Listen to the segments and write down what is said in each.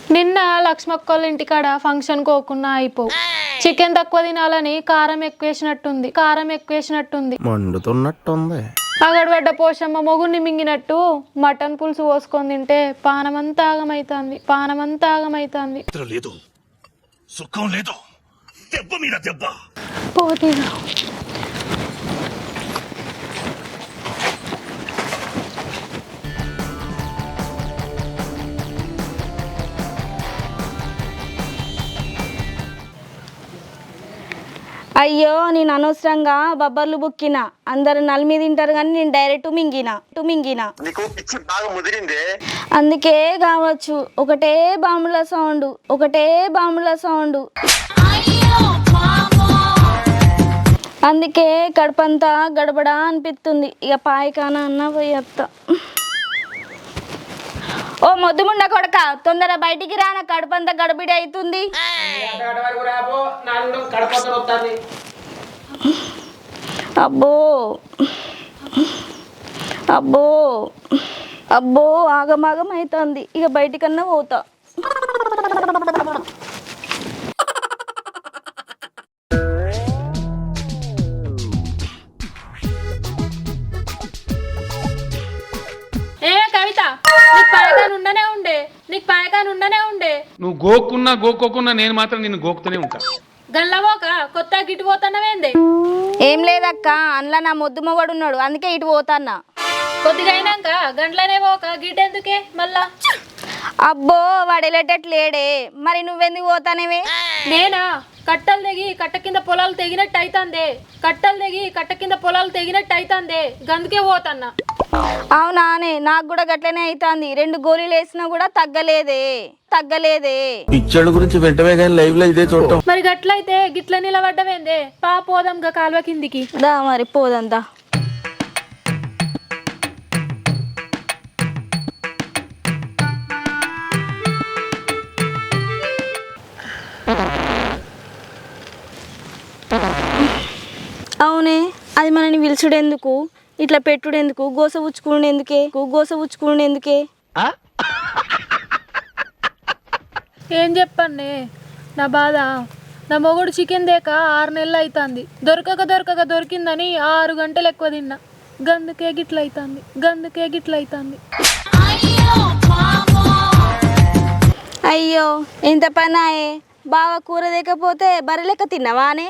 నిన్న లక్ష్మక్కోళ్ళ ఇంటికాడ ఫంక్షన్ కోకున్నా అయిపో చికెన్ తక్కువ తినాలని కారం ఎక్కువేసినట్టుంది మండుతున్నట్టుంది. అగడబడ్డ పోషమ్మ మొగుడిని మింగినట్టు మటన్ పులుసు పోసుకొని తింటే పానమంతా ఆగమైతాంది లేదు సుఖం లేదు దెబ్బ మీద దెబ్బ పోతీనా అయ్యో నేను అనవసరంగా బబ్బర్లు బుక్కిన అందరు నలిమి తింటారు కానీ నేను డైరెక్ట్ మింగిన అందుకే కావచ్చు ఒకటే బాంబుల సౌండ్ అందుకే కడుపంతా గడబడా అనిపిస్తుంది ఇక పాయకాన అన్న పోయేత్తా ఓ మొద్దుముండ కొడక తొందర బయటికి రా నా కడుపంతా గడబిడి అవుతుంది అబ్బో ఆగమాగం అవుతుంది ఇక బయటికన్నా పోతా నీకు పాయకాన్ ఉండనే ఉండే నువ్వు గోక్కున్నా నేను మాత్రం నిన్ను గోకుతూనే ఉంటా. గల్లవోక కొత్త గిట్టు పోతానవేందే? ఏం లేదక్క అందులో నా మొద్దు మొగడు ఉన్నాడు అందుకే ఇటు పోతాన్నా. కొద్దిగా అయినాక గంటలనే పోక గిట్టెందుకే మళ్ళా? అబ్బో వాడు వెళ్ళేటట్లేడే మరి నువ్వెందుకు పోతానేవే? నేనా కట్టలు తెగి కట్ట కింద పొలాలు తెగినట్టు గందుకే పోతాన్నా. అవునానే నాకు కూడా గట్లనే అవుతుంది 2 గోళీలు వేసినా కూడా తగ్గలేదే పిచ్చోళ్ళ గురించి వెంటనే కానీ లైవ్ లో ఇదే చూడటం. మరి గట్లయితే గిట్ల నిలబడ్డవేందే? పోదాం గా కాలువ కిందికి దా మరి పోదంతా. అవునే అది మనని పిలుచుడెందుకు ఇట్లా పెట్టుడెందుకు గోస ఉచ్చుకునేందుకే ఏం చెప్పండి నా బాధ. నా మొగుడు చికెన్ దేక 6 నెలలు అవుతుంది. దొరకక దొరికిందని 6 గంటలు ఎక్కువ తిన్నా. గందుకే గిట్లయితుంది. అయ్యో ఎంత పనాయే బావ కూర దేకపోతే బర్రెలెక్క తిన్నవానే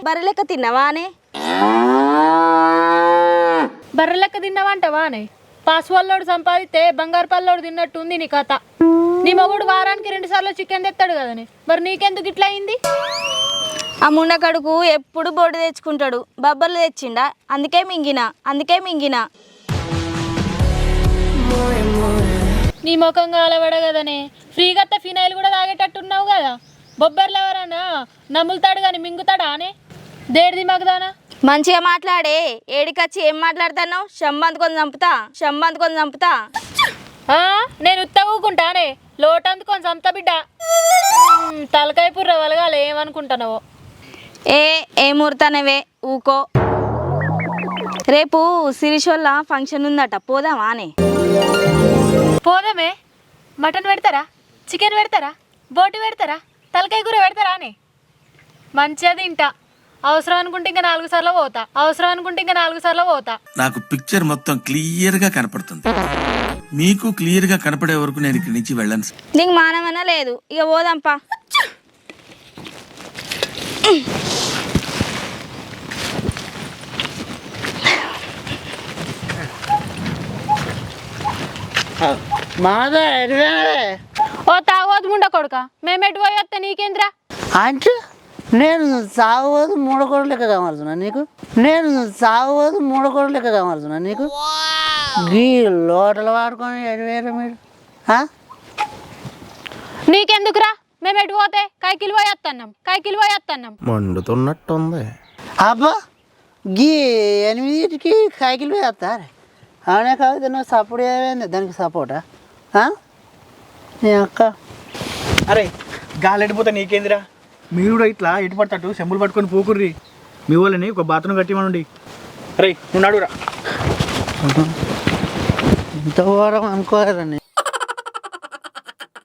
బర్రెలెక్క తిన్నావంటవానే? పాస్వాల్లోడు సంపాదిస్తే బంగారు పల్లోడు తిన్నట్టుంది నీ కథ. నీ మొగుడు వారానికి 2 సార్లు చికెన్ తెస్తాడు కదనే, మరి నీకెందుకు ఇట్లా అయింది? ఆ ముండకడుకు ఎప్పుడు బోర్డు తెచ్చుకుంటాడు, బబ్బర్లు తెచ్చిండా అందుకే మింగిన. నీ ముఖంగా అలవడ కదనే, ఫ్రీగా ఫినాయిల్ కూడా తాగేటట్టున్నావు కదా. బొబ్బర్లు ఎవరన్నా నమ్ములుతాడు కానీ మింగుతాడా అనే? దేడిది మగదానా? మంచిగా మాట్లాడే ఏడికొచ్చి ఏం మాట్లాడుతున్నావు? షంబందుకొని చంపుతా. నేను ఉత్తగుకుంటానే లోటందుకొని చంపుతా బిడ్డ. తలకాయ పుర్ర వలగాలి ఏమనుకుంటున్నావో? ఏం ఊరుతానవే ఊకో. రేపు సిరిషోళ్ళ ఫంక్షన్ ఉందట పోదామానే? పోదామే. మటన్ పెడతారా, చికెన్ పెడతారా, బోటి పెడతారా, తలకాయ కూర పెడతారా అని? మంచిగా తింటా. అవసరం అనుకుంటే ఇంకా 4 సార్లు పోతా. నాకు పిక్చర్ మొత్తం క్లియర్ గా కనపడుతుంది. మీకు క్లియర్ గా కనపడే వరకు నేను ఇక్కడి నుంచి వెళ్ళను. నీకు మానమన్నా లేదు ఇక పోదాంపా. ఓ తాగోదు ముండ కొడుక, మేమెటు పోయి వస్తే నీకేంద్రా? అంటే నేను సాగోదు 3 కోట్ల లెక్క కావాల్సిన నీకు గీ లోటలు వాడుకొని ఎడివేరు మీరు. నీకెందుకురా? మేమెటు పోతే కైకిలు పోయి వస్తున్నాం. మండుతున్నట్టుంది. అబ్బా గీ 8కి కైకిలు వేస్తారు. అవునే కాదు నువ్వు సపోర్ట్ ఏమైంది దానికి సపోర్టా? నీ అక్క అరే గాలెడిపోతా నీకేందిరా? మీరు కూడా ఇట్లా ఎటు పడతాడు చెంబులు పట్టుకొని పోకుర్రి. మీ వాళ్ళని ఒక బాత్రూమ్ కట్టిమనండి. అరే నువ్వు నడురా. ఇంత వారం అనుకోలేదండి.